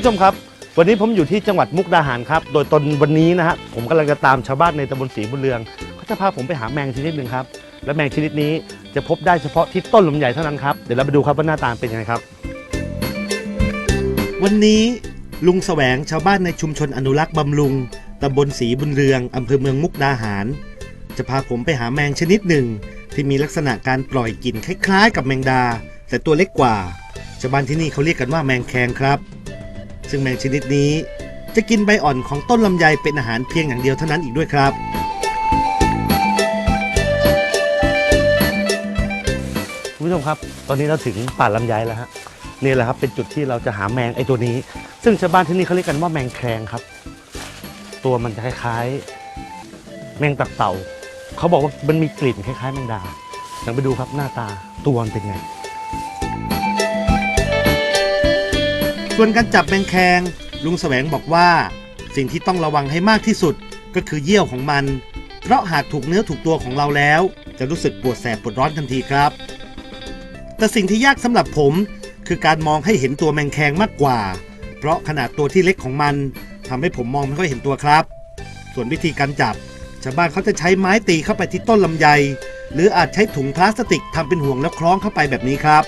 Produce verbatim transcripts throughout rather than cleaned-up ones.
ชมครับวันนี้ผมอยู่ที่จังหวัดมุกดาหารครับโดยตอนวันนี้นะฮะผมกำลังจะตามชาวบ้านในตำบลศรีบุญเรืองเขาจะพาผมไปหาแมงชนิดหนึ่งครับและแมงชนิดนี้จะพบได้เฉพาะที่ต้นลำไยเท่านั้นครับเดี๋ยวเราไปดูครับว่าหน้าตาเป็นยังไงครับวันนี้ลุงแสวงชาวบ้านในชุมชนอนุรักษ์บำรุงตำบลศรีบุญเรืองอำเภอเมืองมุกดาหารจะพาผมไปหาแมงชนิดหนึ่งที่มีลักษณะการปล่อยกลิ่นคล้ายๆกับแมงดาแต่ตัวเล็กกว่าชาวบ้านที่นี่เขาเรียกกันว่าแมงแคงครับซึ่งแมงชนิดนี้จะกินใบอ่อนของต้นลำไยเป็นอาหารเพียงอย่างเดียวเท่านั้นอีกด้วยครับคุณผู้ชมครับตอนนี้เราถึงป่าลำไยแล้วฮะนี่แหละครับเป็นจุดที่เราจะหาแมงไอ้ตัวนี้ซึ่งชาวบ้านที่นี่เขาเรียกกันว่าแมงแคงครับตัวมันจะคล้ายๆแมงตับเต่าเขาบอกว่ามันมีกลิ่นคล้ายๆแมงดาลองไปดูครับหน้าตาตัวมันเป็นไงส่วนการจับแมงแคงลุงแสวงบอกว่าสิ่งที่ต้องระวังให้มากที่สุดก็คือเยี่ยวของมันเพราะหากถูกเนื้อถูกตัวของเราแล้วจะรู้สึกปวดแสบปวดร้อนทันทีครับแต่สิ่งที่ยากสำหรับผมคือการมองให้เห็นตัวแมงแคงมากกว่าเพราะขนาดตัวที่เล็กของมันทำให้ผมมองไม่ค่อยเห็นตัวครับส่วนวิธีการจับชาวบ้านเขาจะใช้ไม้ตีเข้าไปที่ต้นลำไยหรืออาจใช้ถุงพลาสติกทำเป็นห่วงแล้วคล้องเข้าไปแบบนี้ครับ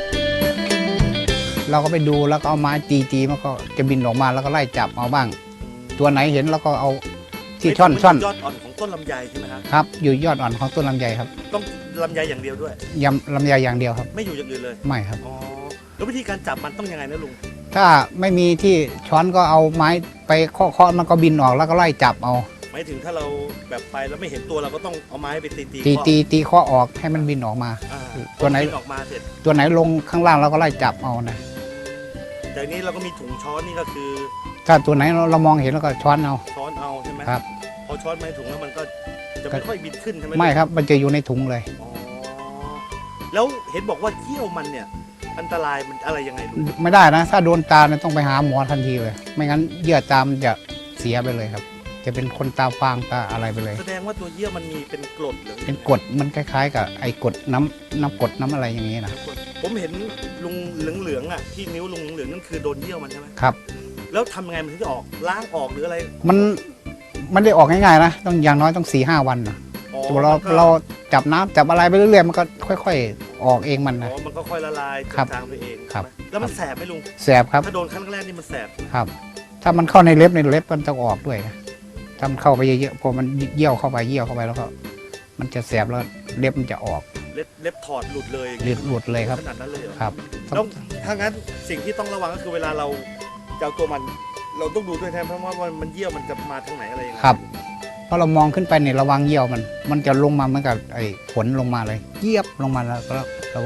เราก็ไปดูแล้วก็เอาไม้ตีตีมันก็จะบินออกมาแล้วก็ไล่จับเอาบ้างตัวไหนเห็นแล้วก็เอาที่ช่อนช่อนยอดอ่อนของต้นลำไยใช่ไหมครับครับอยู่ยอดอ่อนของต้นลำไยครับต้องลำไยอย่างเดียวด้วยยำลำไยอย่างเดียวครับไม่อยู่อย่างอื่นเลยไม่ครับอ๋อแล้ววิธีการจับมันต้องยังไงนะลุงถ้าไม่มีที่ช้อนก็เอาไม้ไปเคาะๆมันก็บินออกแล้วก็ไล่จับเอาหมายถึงถ้าเราแบบไปแล้วไม่เห็นตัวเราก็ต้องเอาไม้ไปตีตีตีตีตีเคาะออกให้มันบินออกมาตัวไหนออกมาเสร็จตัวไหนลงข้างล่างเราก็ไล่จับเอานะจากนี้เราก็มีถุงช้อนนี่ก็คือถ้าตัวไหนเรามองเห็นแล้วก็ช้อนเอาช้อนเอาใช่ไหมครับพอช้อนมาในถุงแล้วมันก็จะไม่ค่อยบินขึ้นใช่ไหมไม่ครับมันจะอยู่ในถุงเลยอ๋อแล้วเห็นบอกว่าเขี้ยวมันเนี่ยอันตรายมันอะไรยังไงลุงไม่ได้นะถ้าโดนตาเนี่ยต้องไปหาหมอทันทีเลยไม่งั้นเยื่อตามันจะเสียไปเลยครับจะเป็นคนตาฟางตาอะไรไปเลยแสดงว่าตัวเยื่อมันมีเป็นกรดหรือเป็นกรดมันคล้ายๆกับไอ้กรดน้ำน้ำกรดน้ำอะไรอย่างนี้นะผมเห็นลุงเหลืองๆอ่ะที่นิ้วลุงเหลืองนั่นคือโดนเยี่ยวมันใช่ไหมครับแล้วทำยังไงมันถึงจะออกล้างออกหรืออะไรมันมันได้ออกง่ายๆนะต้องอย่างน้อยต้องสี่ห้าวันนะตัวเราเราจับน้ำจับอะไรไปเรื่อยๆมันก็ค่อยๆออกเองมันนะอ๋อมันก็ค่อยละลายทางไปเองครับแล้วมันแสบไหมลุงแสบครับถ้าโดนครั้งแรกนี่มันแสบครับถ้ามันเข้าในเล็บในเล็บมันจะออกด้วยนะทำเข้าไปเยอะๆพอมันเยี่ยวเข้าไปเยี่ยวเข้าไปแล้วก็มันจะแสบแล้วเล็บมันจะออกเล็บเล็บถอดหลุดเลยหลุดหลุดเลยครับขนาดนั้นเลยครับต้องถ้างั้นสิ่งที่ต้องระวังก็คือเวลาเราจะเอาตัวมันเราต้องดูด้วยแทนเพราะว่ามันเยี่ยวมันจะมาทางไหนอะไรยังไงครับเพราะเรามองขึ้นไปเนี่ยระวังเยี่ยวมันมันจะลงมาเหมือนกับไอ้ฝนลงมาเลยเยียบลงมาแล้วก็เรา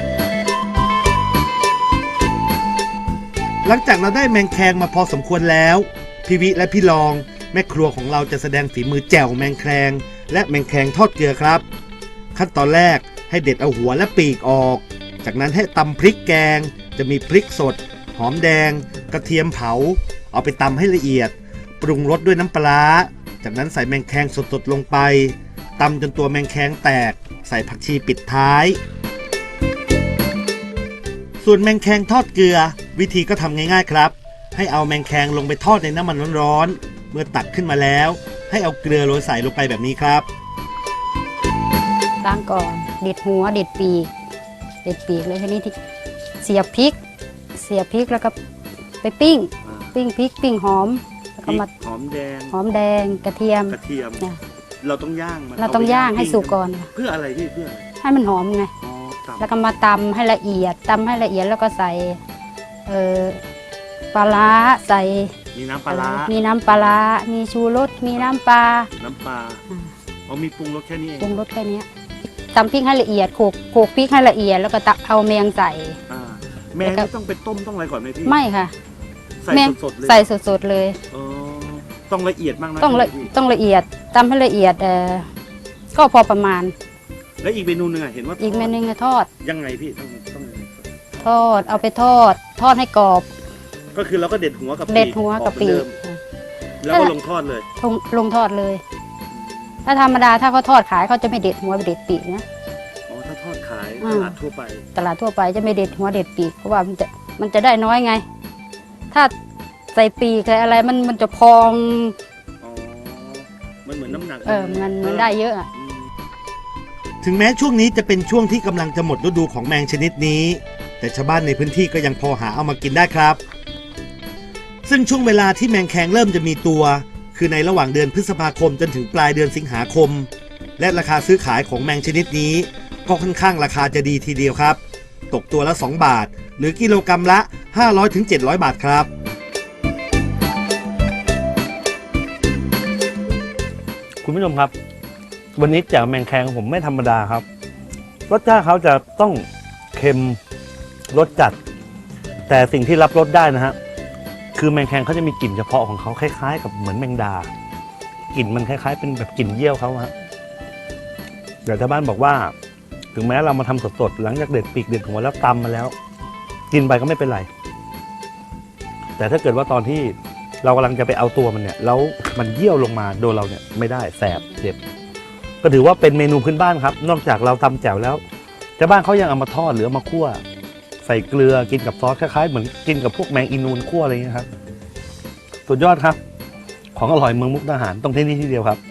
หลังจากเราได้แมงแคงมาพอสมควรแล้วพี่วิและพี่รองแม่ครัวของเราจะแสดงฝีมือแจ่วแมงแคงและแมงแคงทอดเกลือครับขั้นตอนแรกให้เด็ดเอาหัวและปีกออกจากนั้นให้ตำพริกแกงจะมีพริกสดหอมแดงกระเทียมเผาเอาไปตำให้ละเอียดปรุงรสด้วยน้ำปลาจากนั้นใส่แมงแคงสดๆลงไปตำจนตัวแมงแคงแตกใส่ผักชีปิดท้ายส่วนแมงแคงทอดเกลือวิธีก็ทำง่ายๆครับให้เอาแมงแคงลงไปทอดในน้ำมันร้อนๆเมื่อตักขึ้นมาแล้วให้เอาเกลือโรยใส่ลงไปแบบนี้ครับล้างก่อนเด็ดหัวเด็ดปีกเด็ดปีกเลยทีนี้ที่เสียบพริกเสียบพริกแล้วก็ไปปิ้งปิ้งพริกปิ้งหอมแล้วก็มาหอมแดงหอมแดงกระเทียมกระเทียมเราต้องย่างมันเราต้องย่างให้สุกก่อนเพื่ออะไรพี่เพื่อให้มันหอมไงแล้วก็มาตำให้ละเอียดตำให้ละเอียดแล้วก็ใส่เอ่อปลาร้าใส่มีน้ำปลาร้ามีน้ำปลาร้ามีชูรสมีน้ำปลาน้ำปลาอ๋อมีปรุงรสแค่นี้เองปรุงรสแค่นี้ตำพริกให้ละเอียดโขลกโขลกพริกให้ละเอียดแล้วก็ตักเอาแมงใส่แมงต้องไปต้มต้องอะไรก่อนไหมพี่ไม่ค่ะใส่สดๆเลยใส่สดๆเลยอ๋อต้องละเอียดมากนะต้องละต้องละเอียดตำให้ละเอียดเออก็พอประมาณแล้วอีกเมนูหนึ่งเห็นว่าอีกเมนูนึงทอดยังไงพี่ต้องต้องทอดเอาไปทอดทอดให้กรอบก็คือเราก็เด็ดหัวกับเด็ดหัวกับปีกแล้วก็ลงทอดเลยลงลงทอดเลยถ้าธรรมดาถ้าเขาทอดขายเขาจะไม่เด็ดหัวเด็ดปีกนะอ๋อถ้าทอดขายตลาดทั่วไปตลาดทั่วไปจะไม่เด็ดหัวเด็ดปีกเพราะว่ามันจะมันจะได้น้อยไงถ้าใส่ปีกใส่อะไรมันมันจะพองอ๋อมันเหมือนน้ำหนักเออมันมันได้เยอะอะถึงแม้ช่วงนี้จะเป็นช่วงที่กำลังจะหมดฤดูของแมงชนิดนี้ แต่ชาวบ้านในพื้นที่ก็ยังพอหาเอามากินได้ครับ ซึ่งช่วงเวลาที่แมงแคงเริ่มจะมีตัว คือในระหว่างเดือนพฤษภาคมจนถึงปลายเดือนสิงหาคม และราคาซื้อขายของแมงชนิดนี้ก็ค่อนข้างราคาจะดีทีเดียวครับ ตกตัวละสองบาท หรือกิโลกรัมละ ห้าร้อยถึงเจ็ดร้อย บาทครับคุณผู้ชมครับ วันนี้แจ่วแมงแคงของผมไม่ธรรมดาครับรสชาติเขาจะต้องเค็มรสจัด แต่สิ่งที่รับรสได้นะฮะคือแมงแคงเขาจะมีกลิ่นเฉพาะของเขาคล้ายๆกับเหมือนแมงดากลิ่นมันคล้ายๆเป็นแบบกลิ่นเยี่ยวเขาฮะเดี๋ยวชาวบ้านบอกว่า ถึงแม้เรามาทำสดๆหลังจากเด็ดปีกเด็ดหัวแล้วตำมาแล้ว กินไปก็ไม่เป็นไร แต่ถ้าเกิดว่าตอนที่เรากำลังจะไปเอาตัวมันเนี่ยแล้วมันเยี่ยวลงมาโดนเราเนี่ยไม่ได้แสบเจ็บก็ถือว่าเป็นเมนูพื้นบ้านครับนอกจากเราทำแจ่วแล้วชาวบ้านเขายังเอามาทอดหรือเอามาคั่วใส่เกลือกินกับซอสคล้ายๆเหมือนกินกับพวกแมงอีนูนคั่วอะไรอย่างเงี้ยครับสุดยอดครับของอร่อยเมืองมุกดาหารต้องที่นี่ที่เดียวครับ